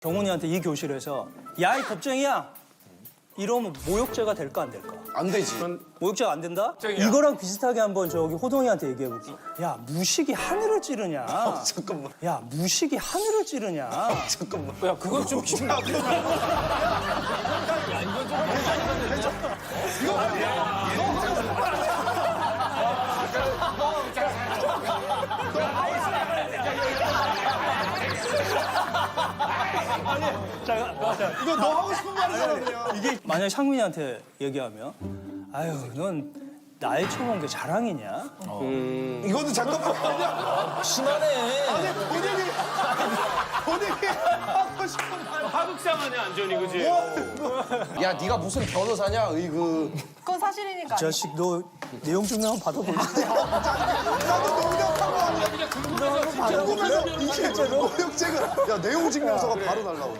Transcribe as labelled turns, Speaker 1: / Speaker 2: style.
Speaker 1: 경훈이한테 이 교실에서 야, 이 겁쟁이야! 이러면 모욕죄가 될까 안 될까?
Speaker 2: 안 되지.
Speaker 1: 모욕죄가 안 된다? 이거랑 비슷하게 한번 저기 호동이한테 얘기해볼게. 야, 무식이 하늘을 찌르냐?
Speaker 2: 잠깐만.
Speaker 1: 야, 무식이 하늘을 찌르냐?
Speaker 2: 잠깐만.
Speaker 3: 야, 그건 좀 비슷해.
Speaker 2: 이거 너 하고 싶은 말이잖아, 그냥.
Speaker 1: 이게 만약에 상민이한테 얘기하면 아유, 넌 나이 쳐본 게 자랑이냐?
Speaker 2: 이거는 잠깐만. 아니야.
Speaker 3: 심하네.
Speaker 2: 아니, 본인이 하고 싶은 말.
Speaker 4: 하극상하네 완전히 그지?
Speaker 2: 야, 네가 무슨 변호사냐, 으이그.
Speaker 5: 그건 사실이니까.
Speaker 1: 자식, 너 내용 증명 한번 받아볼래?
Speaker 2: 나도 농담한 거 아니야. 궁금해서 이게 모욕죄가. 야, 내용 증명서가 바로 날라오네.